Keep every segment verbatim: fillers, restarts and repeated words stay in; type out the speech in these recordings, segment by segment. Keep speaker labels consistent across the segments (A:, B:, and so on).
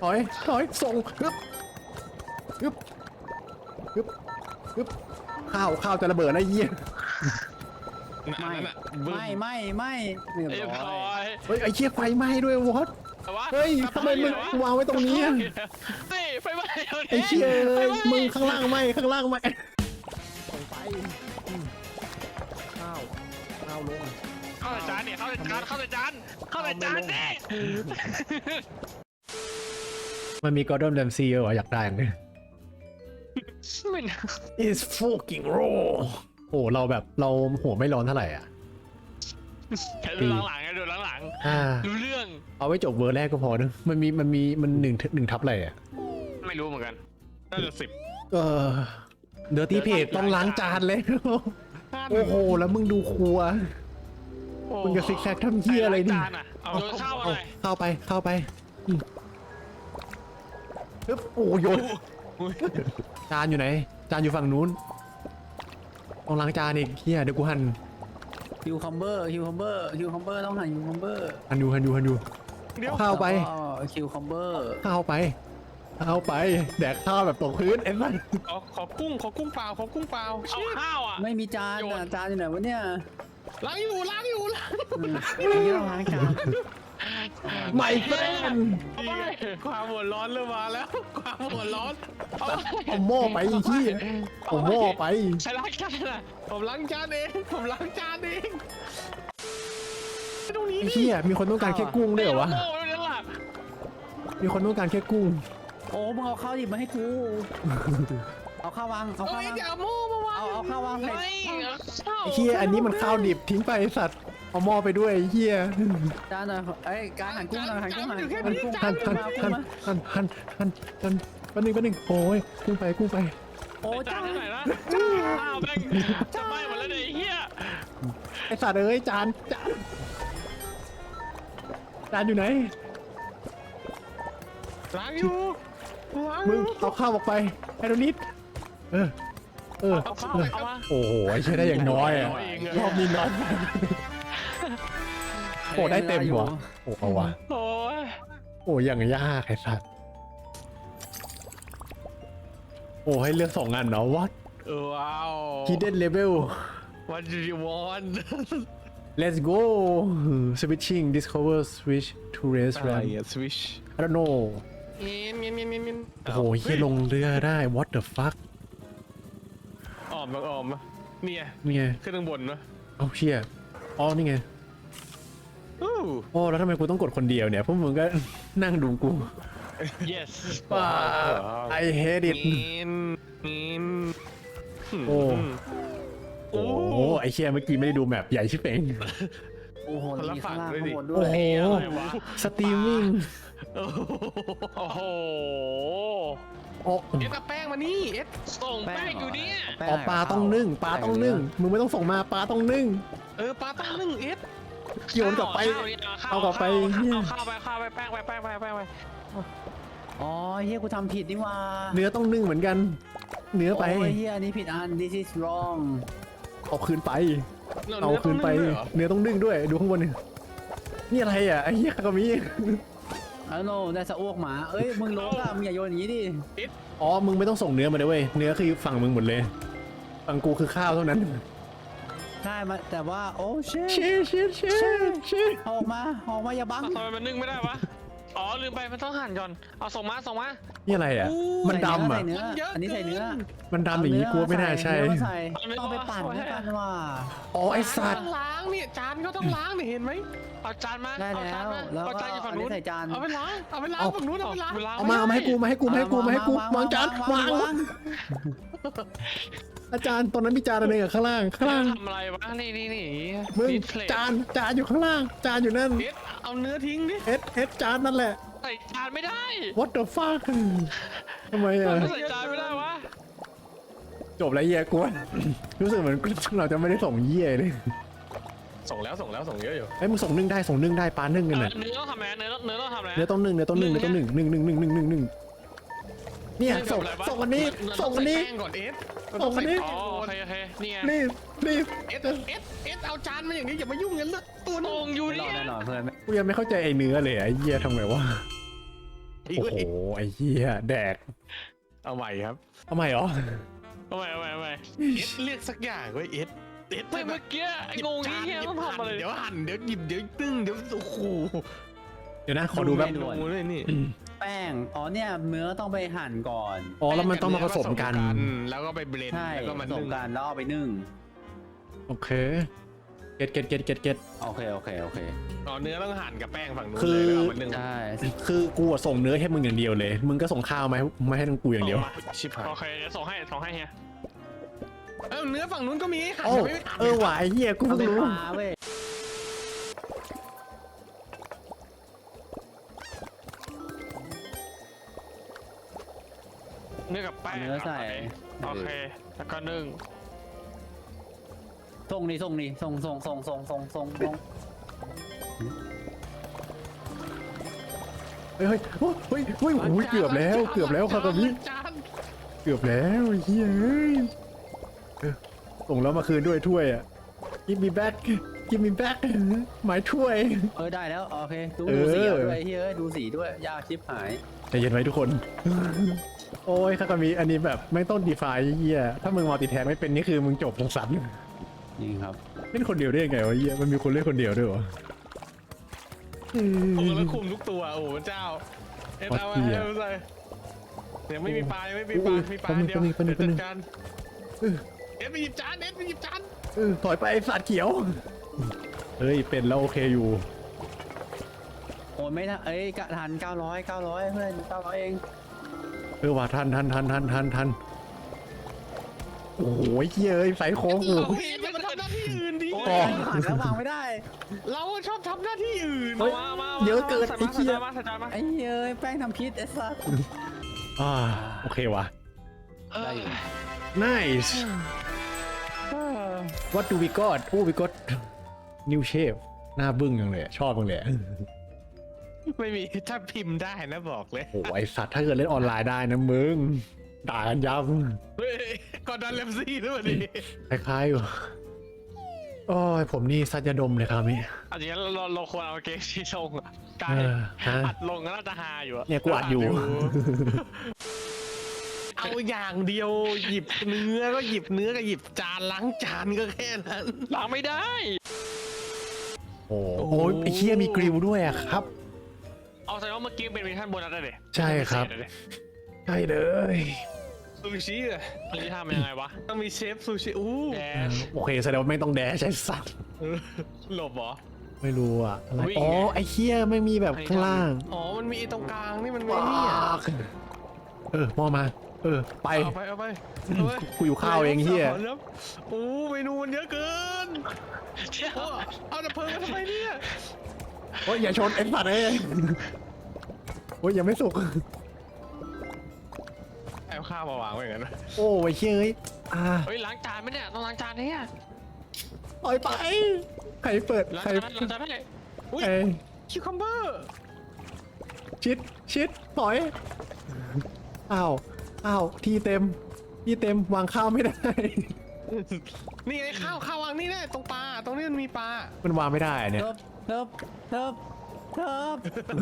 A: ถอยถอยส่งฮึบฮึบฮึบฮึบข้าวข้าวจะระเบิดอะไรเยี่ย
B: ไม่ไม่ไม่ไม่เรียบ
C: เรียบ
B: ร้
C: ร้
B: อ
C: อย ย
A: เฮ้ยไอ้เชี่ยไฟไหม้ด้วยวอตเฮ้ยทำไมมึงวางไว้ตรงนี้
C: นี่ไฟไหม้
A: ไอ้เชี่ยมึงข้างล่างไหม้ข้างล่างไหม้ส่งไปข้าวข้าวลง
C: เข้าในจานเนี่ยเข้าในจานเข้าในจานเข้าในจานสิ
A: มันมีกอร์ดอนแรมซีเหรออยากได้อย่างนี้
C: ไม่นะ
A: It's fucking raw โอ้เราแบบเราหัวไม่ร้อนเท่าไหร่อ่ะ
C: แค่ดูหลังๆไงดูหลัง
A: อ่า
C: ๆรู้เรื่อง
A: เอาไว้จบเวอร์แรกก็พอนะมันมีมันมีมันหนึ่งหนึ่งทับอะไรอ่ะ
C: ไม่รู้เหมือนกันน่าจะสิบ
A: เออเดอร์ตี้เพจต้องล้างจานเลย โอ้โหแล้วมึงดูครัวมึงจะซิกแซกทำเหี้ยอะไรนี่
C: จานอ่ะเอาโยนข้าวมาหน่อย
A: เข้าไปเข้าไปอืมปึ๊บโอ้โยนจานอยู่ไหน จานอยู่ฝั่งนู้นต้องล้างจานอีกเฮียเดี๋ยวกูหัน
B: ฮิวคัมเบอร์ฮิวคัมเบอร์ฮิวคัมเบอร์ต้องหันฮิวคัมเบอร์
A: หันดูหันดูหันดูเอาข้าวไป
B: ฮิวคัมเบอร์
A: ข้าวไปข้าวไปแดกข้าวแบบตกพื้นเอ็นมัน
D: ขอขอกุ้งขอกุ้งเปล่าขอกุ้งเปล่า
C: เอาข้าวอ่ะ
B: ไม่มีจานอ่ะจานอยู่ไหนวะเนี่ย
D: ล้างอยู่ล้างอยู่ล้าง
B: เยอะล้างจาน
A: ไม่เฟน
D: ความหัวร้อนเริ่มมาแล้วความหัวร้อน
A: เอาหม้อไปอีกที่เอาหม้อไป
C: ใช้ล้างจานอ่ะ
D: ผมล้างจานเองผมล้างจานเองตรงนี้
A: ไอ้เหี้ยมีคนต้องการแค่กุ้งด้วยเหรอวะ
C: โม่ไม่ได้หลับ
A: มีคนต้องการแค่กุ้ง
B: โอ้มึงเอาข้าวหยิบมาให้กูเอาข้าววางเอา
D: เอ้
B: ข้าวย วาง
D: อย่าโม่มาวาง
B: เอาเอาข้าววางใส่
C: ไม่เอาข้าว
A: ไอ้เหี้ยอันนี้มันข้าวดิบทิ้งไปไอ้สัตว์เอาหม้อไปด้วยไอ้เหี้ย
B: จานหน่อยเอ้ยการหันกุ้งหน่อยหันกุ้งหันกุ้ง
A: หัน
B: กุ้ง
A: หันหัน
B: มา
A: หัน
B: มา
A: หันหันหันหันแป๊บนึงแป๊บนึงโอ้ยกุ้งไปกุ้งไป
B: โอ้
C: จา
B: จาน น
C: ที่ไหนนะข้าวแม่งจะไหม้หมดแล้วเนี่ยไอ้เหี้ย
A: ไอ้สัตว์เอ้ยจานจานจานอยู่ไหน
D: ล้างอยู่ล้างอ
A: มึง
D: ยู่
A: เอาข้าวออกไปไอ้โดนิดเออเออ
C: เอาข้าวเอามา
A: โอ้โหไอ้เชี่ยได้อย่างน้อยอะรอบนี้น้อยโอ้ได้เต็มหัวโอ้เอาวะ
C: โอ้ย
A: โอ้ยังยากไอ้สัตว์โอ้ให้เลือกสองอันเนาะ what
D: เออว้าว
A: hidden level
D: What do you want
A: let's go switching discover switch to race
D: อะไร
A: ram
D: อะ switch
A: I don't know
D: เงี้ยเงี้ยเงี้ยเงี้ย
A: โอ้โหเฮียลงเรือได้ what the fuck
D: ออมออมเนี่ย
A: นี่ไง
D: ขึ้นข้างบนวะ
A: เอาเชี่ยอ๋อนี่ไง
D: อู้
A: โอ้แล้วทำไมกูต้องกดคนเดียวเนี่ยพวกมึงก็นั่งดูกู
C: yes
A: ว้า I hate it
D: เงี้ยเงี้ย
A: โอ้ โอ้โหไอเชี่ยเมื่อกี้ไม่ได้ดูแมปใหญ่ชิบเอง
B: โอ้โหมีข้างล่างข้างบนด้
A: โอ้
B: วย
A: โหสตรีมมิ่ง
D: โอ้โห
C: โอ้โห
A: โอ้
D: เอ็ดเอาแป้งมานี่เอ็ด
C: ส่งแป้งอยู่เนี่ย
A: อ๋อปลาต้องนึ่งปลาต้องนึ่งมึงไม่ต้องส่งมาปลาต้องนึ่ง
D: เออปลาตั้งนึ่งเอ็ด
A: โยนกลับไป
C: ข้ว
A: เอากลับไป
C: เอาข้าวไปข้าวไปแป้งไปแป้งไปแป้งไป
B: อ๋อเฮียกูทำผิดนี่ว่า
A: เนื้อต้องนึ่งเหมือนกัน เนื้อไป
B: โอ้ยเฮียอันนี้ผิดอัน this is wrong
A: เอาคืนไป
D: ร
A: เอาคืนไป
D: เนื้อต้องงด้วยเหรอ
A: เนื้อต้องนึ่งด้วยดูข้างบนนี่นี่อะไรอ่ะไอ้เหี้ยก็มี
B: I don't know ได้สะอ้วกหมาเอ้ยมึงลบอะมึงอย่าโยนอย่างนี้ดิ
A: อ๋อมึงไม่ต้องส่งเนื้อมาด้วยเว้ยเนื้อคือฝั่งมึงหมดเลยฝั่งกูคือข้าวเท่านั้น
B: ได้มาแต่ว่าโอ้เช
A: เชี่ยเชี่ยเชี่ยเชี่ย
B: ออกมาออกมาอย่าบัง
C: ทำไมมันนึ่งไม่ได้วะอ๋อลืมไปมันต้องหั่นก่อนเอาส่งมาส่งมา
A: นี่อะไรอ่ะมันดำอ่ะ
B: ใส่เนื้ออันนี้ใส่เนื้อ
A: มันดำอย่างนี้กูไม่น่าใช่
B: เอเนื้อมาใส่ต้องไปปั่นด้วยกันว่า
A: อ๋อไอสัต
D: ต้
A: ว์
D: องล้างเนี่ยจานก็ต้องล้างเนี่ยเห็นไหม
C: เอาจานมา
B: ได้
C: เอา
B: แล้
C: จาน
B: ว
C: มา
B: แล้ว
C: เอา
B: ก็
C: จานอยู่
B: อั
C: ฝั่ง
B: นนี้
C: นู้น
B: ใส่จาน
D: เอาไปล้างเอาไปล้างฝั่งนู้นเอาไปล้าง
C: เวลา
A: เอามาเอามาให้กูมาให้กูมาให้กูมาให้กูวางจานวาง
B: วาง
A: อาจารย์ตอนนั้นมีจานอะไรอ่ะข้างล่างข้างล่าง
C: ทำอะไรวะนี่นี่นี่
A: มึง
C: ดิสเพลย์
A: จานจานอยู่ข้างล่าง จานอยู่นั่น
D: เอ็ดเอาเนื้อทิ้งดิ
A: เอสเอสจานนั่นแหละ
C: ใส่จานไม่ได้
A: what the fuck ทำไมอ่ะ
C: ใส่จานไม่ได้วะ
A: จบแล้วเหี้ยกูว่ารู้สึกเหมือนเราจะไม่ได้ส่งเหี้ยเลย
D: ส่งแล้วส่งแล้วส่งเยอะอยู่
A: ไอ้ยมึงส่งนึ่งได้ส่งนึ่งได้ปลานึ่งกันน่ะ
C: เนื้อต้องทำอะไรเนื้อเนื้อต้องทำอะไร
A: เนื้อต้องนึ่งเนื้อต้องนึ่งเนื้อต้องนึ่งนึ่งนึ่งนึ่งนึ่งนึ่งนึ่งเนี่ยส่งส่งวันนี้ส่งวันนี้
D: แป้งก่อนเอ็ด
A: ส่งอันนี้
C: อ๋อโอเคโอเคนี่ไง
A: รีบรีบ
D: เอ็ดเอ็ดเอ็ดเอาจานมาอย่างนี้อย่ามายุ่งกันละตัวนึ
C: ส่
D: ง
C: งอยู่
B: ไม่รอ
C: เนี่ย
B: แน่นอนเพื่อน
A: กูยังไม่เข้าใจไอ้เนื้อเลยไอ้เหี้ยทำไงวะ
D: ไอ้
A: โอ้
D: เว้
A: โห
D: ย
A: ไอ้เหี้ยแดก
D: เอาใหม่ครับ
A: ทำไมเหรอ
C: เอาใหม่เอาใหม่เอาใหม่
D: เอสเรียกสักอย่างเว้ยเอสเอส
C: ไม่เมื่อกี้ไอ้งงที่เฮียต้องทำอะไร
D: เดี๋ยวหั่นเดี๋ยวหยิบเดี๋ยวตึ้งเดี๋ยวโอ้โห
A: เดี๋ยวนะขอดูแบบ
D: ดูเลยนี่
B: แป้งอ๋อเนี่ยเนื้อต้องไปหั่นก่อน
A: อ๋อแล้วมันต้องมาผสมกัน
D: แล้วก็ไปเบลนด์
B: ใช่
D: แล้วก็
B: ผ
D: มัน
B: สม
D: นึ่ง
B: กันแล้วเอาไปนึ่ง
A: โอเคเก็ตเก็ตเก็ตเก็ตเก็ต
B: โอเคโอเคโอเค
D: อ๋อเนื้อต้องหั่นกับแป้งฝั่งนู้น
A: คือ
D: เลยแล้วเอามันนึ่ง
B: ใช่
A: คือกูอะส่งเนื้อให้มึงอย่างเดียวเลย มึงก็ส่งข้าวมาให้มาให้ทั้งกูอย่างเดียว
D: ชิบหาย
C: โอเคเดี๋ยวส่งให้ส่งให้เฮีย
D: เอ้าเนื้อฝั่งนู้นก็มีหั่น
A: โอ้
D: ไม่หั่น
A: เออว่ะไอ้เหี้ยกู
B: เอา
A: เพิ่ง
B: ไป
A: รู้
B: ปลาเว้ย
C: เนื้อกับแป้ง
B: เนื้อใส่
C: โอเคแล้วก็นึ่ง
B: ส่งนี่ส่งนี่ส่งส่งส่งส่งส่งส่งส่ง
A: เฮ้ยเฮ้ยโอ้เฮ้ยเฮ้ยโอ้ยเกือบแล้วเกือบแล้วคาตามิ
D: จาน
A: เกือบแล้วไอ้เฮ้ยเอ้ยเออส่งแล้วมาคืนด้วยถ้วยอ่ะ give me back give me back หมายถ้วย
B: เออได้แล้วโอเคดู
A: เออ
B: ดูสีเอาด้วยเฮ้ยดูสีด้วยยากชิบหาย
A: ใจเย็นไว้ทุกคน โอ้ยคาตามิอันนี้แบบไม่ต้องดีไฟเฮียถ้ามึงมัลติแทนไม่เป็นนี่คือมึงจบสัน
B: นี่ครับ
A: เล่นคนเดียวได้ยังไงวะเฮียมันมีคนเล่นคนเดียวด้วยวะ
D: โอ้โหแล้วคุมทุกตัวโอ้โหเจ้าเอ็ดเอาไว้ให้มันใส่เดี๋ยวไม่มีปลายังไม่มีปลามีปลาเดียวเดี๋ยวจัดการเอ็ดไปหยิบจานเอ็ดไปหยิบจาน
A: เออถอยไปไอ้สัตว์เขียว เฮ้ยเป็นแล้วโอเคอยู่
B: โอ้ยไม่ทันเอ้ยกะทันเก้าร้อยเก้าร้อยเพื่อนเก้าร้อยเอง
A: เออว่าทันทันทันทันทันทันโอ้โหเฮียเอ้ยใส่โค้งกู
D: เราเห็นมันทำหน้าที่อื่นดี
A: อ๋อ
B: ผ่านแล้ววางไม่ได้
D: เราชอบทำหน้าที่อื่น
A: เฮ้ย
C: มามา
A: เยอะเกิน
C: ใส่
A: ไอ้
C: มา
A: เหี้
C: ใส่
A: ย
C: จานมาใส่จานมา
B: ไอ้เอ้ยแป้งทำพิษไอ้สัส
A: อ่าโอเคว่ะ
B: ได้อยู่
A: nice what do we got โอ้ we got new shape หน้าบึ้งยังเลยอะชอบจังเลยอะ
D: ไม่มีถ้าพิมพ์ได้นะบอกเลย
A: โอ้ไอสัตว์ถ้าเกิดเล่นออนไลน์ได้นะมึงด่ากันยับ
D: เฮ้ยกอร์ดอนเลมซี่ด้วยวันนี้
A: คล้ายๆอยู่โอ้ยผมนี่สัตว์ยาดมเลยครับมิ
C: อันนี้เราเราเราควรเอาเกมที่ลงอะกา
A: เอ
C: ร
A: อฮะ
C: อัดลงก็น่าจะฮาอยู่อะ
A: เนี่ยกูอัดอยู่
D: เอาอย่างเดียวหยิบเนื้อก็หยิบเนื้อก็หยิบจานล้างจานก็แค่นั้น
C: ล้างไม่ได้
A: โอ้โหไอเคียมีกริลด้วยอะครับ
C: เอาแสดงว่าเมื่อกี้เป็นเวอร์ชันโบนัสได้เลย
A: ใช่ครับ ใช่เลย
D: ซูชิอะ
C: อันนี้ทำยังไงวะ
D: ต้องมีเชฟซูชิอู้
C: แด
A: เออโอเคแสดงว่าไม่ต้องแดชใช่สัตว์
D: เออหลบเหรอ
A: ไม่รู้อะอะไร
C: วิ่ง
A: อ๋อ
C: ไง
A: ไอเคียไม่มีแบบข้างล่าง
D: อ๋อมันมีตรงกลางนี่มันไม่นี่อ่ะ
A: เออมอมา เออ ไป
D: เอาไปเอาไปเอาไป
A: กูอยู่ข้าวเองเฮีย
D: แล้วโอ้เมนูมันเยอะเกิน
C: เชี่ย
D: โอ้เอาดับเพลิงมาทำไมเนี่ย
A: โอ้ยอย่าชนไอ้สัตว์เอ้ยโอ้ยยังไม่สุก
D: เอาข้าวมาวางไว้อย่างนั้นนะ
A: โอ้ยเชี่ยเอ้ยอ่า
C: เฮ้ยล้างจานไหมเนี่ยต้องล้างจานเนี่ย
A: ปล่อยไป ใครเปิด
C: ล้าง
A: ใคร
C: จานล้างจานให้
D: อุ้ย
A: ไอ้
D: คิวคัมเบอร์
A: ชิด ชิดถอย อ้าว อ้าว ที่เต็ม ที่เต็ม วางข้าวไม่ได้
D: นี่ไงข้าวข้าววางนี่แน่ตรงปลาตรงนี้มันมีปลา
A: มันวางไม่ได้อะเนี่ย
B: เทิบเทิบเทิบเทิบ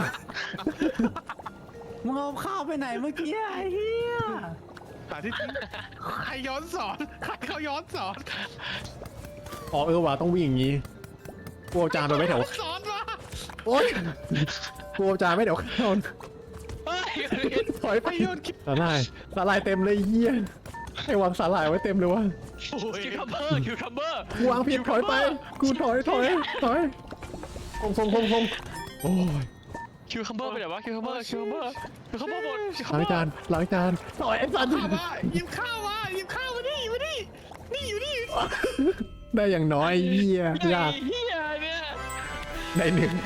B: มึงเอาข้าวไปไหนเมื่อกี้ไอ้เหี้ย
D: หาที่ใครย้อนสอนใครเขาย้อนสอน
A: อ๋อเออว่ะต้องวิ่งอย่างงี้กลัวจานไปไม่แถว
D: สอนมา
A: โอ๊ยกลัวจานไม่แถวข้าว
C: เฮ้ย
A: ถอยไป
D: ไปโยนคิด
A: สาหร่ายสาหร่ายเต็มเลยเฮียให้วางสาหร่ายไว้เต็มเลยวะ
D: โอ้ย
C: คิวคัมเบอร์คิวคัมเบอร์
A: กูวางผิดถอยไป กูถอยถอยถอยคงคงคงคงโอ้ย
C: คิวคัมเบอร์ไปไหนวะคิวคัมเบอร์คิวคัมเบอร์คิวคัมเบอร์หมดคิวคัม
A: ล้าง
C: เบอร์
A: จานล้างจานถอยไอ้สัตว์
D: ข้าวมาหยิบข้าวมาหยิบข้าวมาดิมาดินี่อยู่นี่
A: ได้อย่างน้อยเฮียยาก
C: ไอ้เฮียเนี่ย
A: ได้หนึ่ง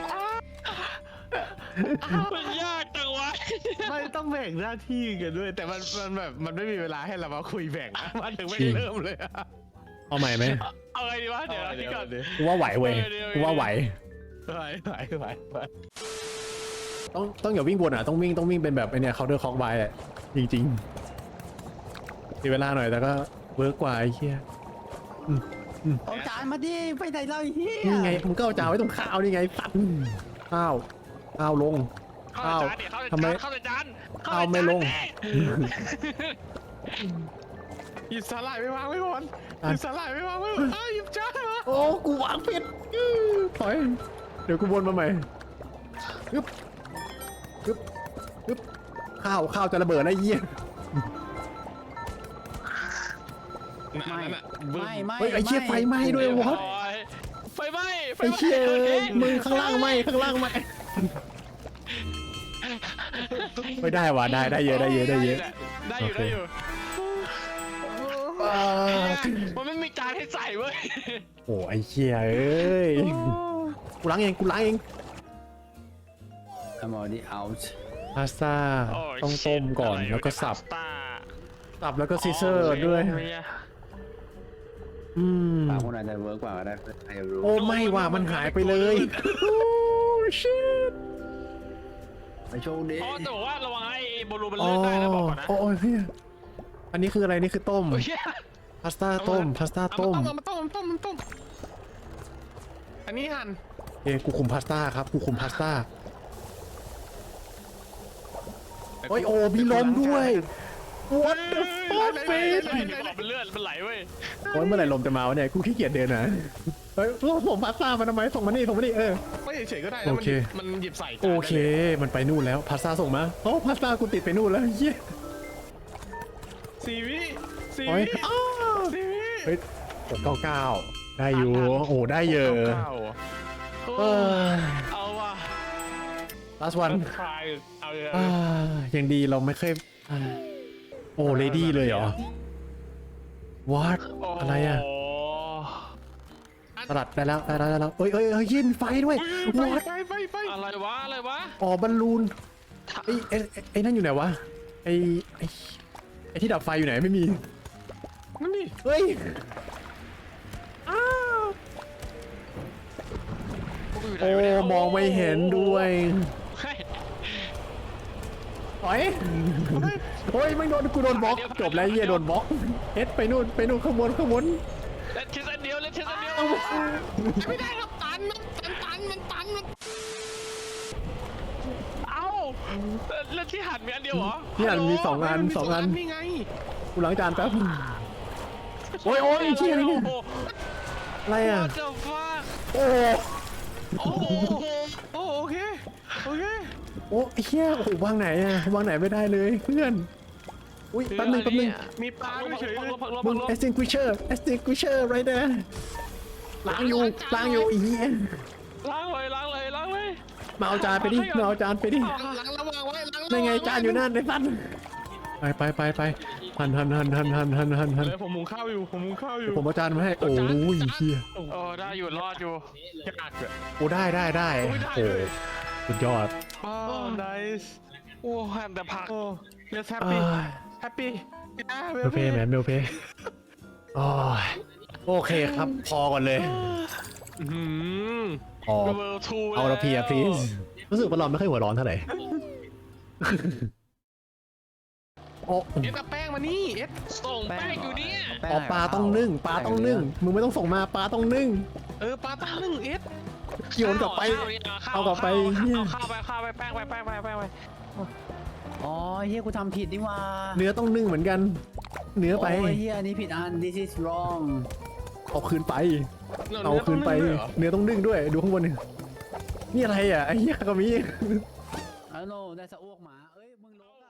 C: มันยากจังวะ
D: ไม่ต้องแบ่งหน้าที่กันด้วย แต่มันมันแบบมันไม่มีเวลาให้เรามาคุยแบ่งนะมาถึงไม่เริ่มเลยอะ
A: เอาใหม่ไหม
C: เอาไงดีวะเดี๋ยวนะพี่ก่อน
A: กูว่าไหวเว้ยกูว่าไหว
D: ไหวไหวไหวไหว
A: ต้องต้องอย่าวิ่งวนอ่ะต้องวิ่งต้องวิ่งเป็นแบบไอเนี่ยเคาน์เตอร์คอกไบอ่ะจริงๆเสียเวลาหน่อยแต่ก็เวิร์กกว่าไอ้เหี้ย
B: เอาจานมาดิไปไหนเราไอ้เหี้ย
A: นี่ไงมึงก็เอาจานไว้ตรงข้าวนี่ไงสัตว์ข้าวข้าวลง
C: เข้าในจานดิเข้าใน
A: ทำไม
C: จานเข้าในจาน
A: ข้าวไม่ลง
D: หยิบสาหร่ายไปวางไว้ก่อนหยิบสาหร่ายไปวางไว้ก่อนอ้าวหยิบจานมา
A: โอ้กูวางผิดอื้อถอยเดี๋ยวกูวนมาใหม่ฮึบฮึบฮึบข้าวข้าวจะระเบิดนะไอ้เหี้ย
D: นั่นน่ะ
B: ไม่ไม่
A: เฮ้ยไอ้เชี่ยไฟไหม้ด้วยวะ
C: โอ้ยไฟไหม้ไฟ
A: ไอ้
C: ไหม้
A: เชี่ยมึงข้างล่างไหมข้างล่างไหมไม่ได้ว่ะได้ได้เยอะได้เยอะได้เยอะ
C: ได้อยู่ได้อยู่
A: อ่า
C: มันไม่มีจานให้ใส่เว้ย
A: โอ้ไอ้เชี่ยเอ้ยกูล้างเองกูล้างเอง
B: I'm already out
A: พาสต้า
C: โย
A: ต้องต้มก่อน
C: ชิบ
A: แล้วก็สับ
C: พาสต้า
A: สับแล้วก็ซีเซอร์ด้วยอืม
B: ปากคนอาจจะเวิร์กกว่าก็ได้ใครจะรู้
A: โอ้ไม่ว่ะมันหายไปเลยโอ้ชิต
B: ไปโชคดี
C: อ๋อแต่บอกว่าระวังไอ้บอลลูนมัน
A: อ๋อ
C: เลื่อนได้นะบอกก่อนนะ
A: โอ้ยเฮียอันนี้คืออะไรนี่คือต้ม
C: โอ้ย
A: พาสต้าต้มพาสต้า
D: เอา
A: ต้ม
D: มาต้มเอามาต้มเอามาต้มอันนี้หั่น
A: เอ้กูคุมพาสต้าครับกูคุมพาสต้าโอ้ยโอ้มีลมด้วย What the fuck
C: ไอ้
A: face
C: มันเลื่อนมันไหลเว้ย
A: โอ้ยเมื่อไหร่ลมจะมาวะเนี่ยกูขี้เกียจเดินนะเฮ้ยส่งพาสต้ามาทำไมส่งมานี่ส่งมานี่เออ
D: ไม่เฉยๆก็ได้แล้ว
A: โอ
D: มัน
A: เค
D: หยิบมันหยิบใส่จาน
A: โอ
D: ได้
A: เค
D: ลย
A: มันไปนู่นแล้วพาสต้าส่งมาโอ้พาสต้ากูติดไปนู่นแล้วเย้ย
D: สี่วิสี่
A: โอ้ย
D: วิ
A: อ้าว
D: สี่วิ
A: เฮ้ยหกเก้าเก้าได้อยู่โอ้ได้เยอะ
D: เก้า
A: เออ
C: เอาว่ะ
A: last one
D: คลายเอาเลย
A: อ่ายังดีเราไม่เคยอ่าโอ้เลดี้เลยเหรอ what อะไรอ่ะสลัดได้แล้วได้แล้วได้แล้วเอ้ยเอ้ยเอ้ยยินไฟด้วย
D: ไฟ
A: what
D: ไฟไฟไฟ
C: อะไรวะอะไรวะ
A: อ๋อบอลลูนไอ้ไอ้ไอ้ไอ้นั่นอยู่ไหนวะไอ้ไอ้ไอ้ที่ดับไฟอยู่ไหนไม่มี
D: นั่นดิ
A: เฮ้ยอ้าว
C: พวกกูยู่ไหน
A: โอ้
C: วะเนี่ย
A: มองไม่เห็นด้วย
C: เฮ้ย
A: ถอยโอ้ยไม่โดนกูโดนบล็อกจบแล้วเหี้ยโดนบล็อกเฮ็ดไปนู่นไปนู่นข้างบนข้างบน
C: เล่นชิ้นอันเดียวเล่นชิ้นอันเดียว
D: ไม่ได้ครับตันมันตันตันมันตันมัน
C: เอ้าเล่นที่หันมีอันเดียวเหรอ
A: เนี่ยมีสองอัน
D: มัมี
A: สองอัน
D: นี่ไง
A: กูล้างจานแป๊บโอ้ยโอ้ยเชี่ยอะไรเนี่ย
C: โอ้โห
A: อะไรอ่ะ
C: What the fuck
A: โอ้
C: โอ้โห
D: โอ้โอเคโอเค
A: โอ้ไอ้เชี่ยโอ้โหวางไหนอ่ะวางไหนไม่ได้เลยเพื่อนอุ้ยแป๊บนึงแป๊บนึง
D: มีปลาด้วยเฉยเลย
C: พักลบ
A: มึ
C: พั
A: ง
C: กลบ
A: extinguisher extinguisher right there ล้างอยู่ล้างอยู่อีเหี้ย
C: ล้างเลยล้างเลยล้างเลย
A: มาเอาจานไปดิมาเอาจานไปดิ
D: ล้างระวางไว้ล้าง
A: นั่นไงจานอยู่นั่นไอ้สัตว์ไปไปไปไปหันหันหันหันหันหันหันหัน
D: เลยผมมุงข้าวอยู่ผมมุงข้าวอยู่
A: ผมเอาจานมาให้โอ้ยเฮีย
C: โอ้ได้อยู่รอดอยู่
D: ยากเลย
A: โอ้ได้ได้ได้โอ้สุดยอด
D: โอ้ nice
C: โอ้หันแต่ผัก
D: โอ้ let's
A: เอ้
D: happy
A: ย
D: happy
A: เมลเพย์แมนเมลเพย์โอ้ยโอเคครับพอก่อนเลย
D: อืม
A: พอ
C: เวอร์ทู
A: เอาละพีอะ please รู้สึกว่าเราไม่ค่อยหัวร้อนเท่าไหร่โอ้
D: เอ็ดเอาแป้งมานี่เอ็ด
C: ส่งแป้งอยู่เนี่ย
A: อ๋อปลาต้องนึ่งปลาต้องนึ่งมึงไม่ต้องส่งมาปลาต้องนึ่ง
D: เออปลาตั้งหนึ่งเอ็ด
A: โยนกลับไป
C: ข้ว
A: เอากลับไป
C: เอาข้าวไปข้าวไปแป้งไปแป้งไปแป้งไป
B: อ๋อเฮียกูทำผิดนี่หว่า
A: เนื้อต้องนึ่งเหมือนกัน เนื้อไป
B: โอ้ยเฮียอันนี้ผิดอัน this is wrong
A: เอาคืนไป เอาคืนไป เนื้อต้องนึ่งด้วย ดูข้างบนนี่นี่อะไรอ่ะไอ้เหี้ยก็มี
B: I don't know ได้สะอ้วกหมาเอ้ยมึงลงอะ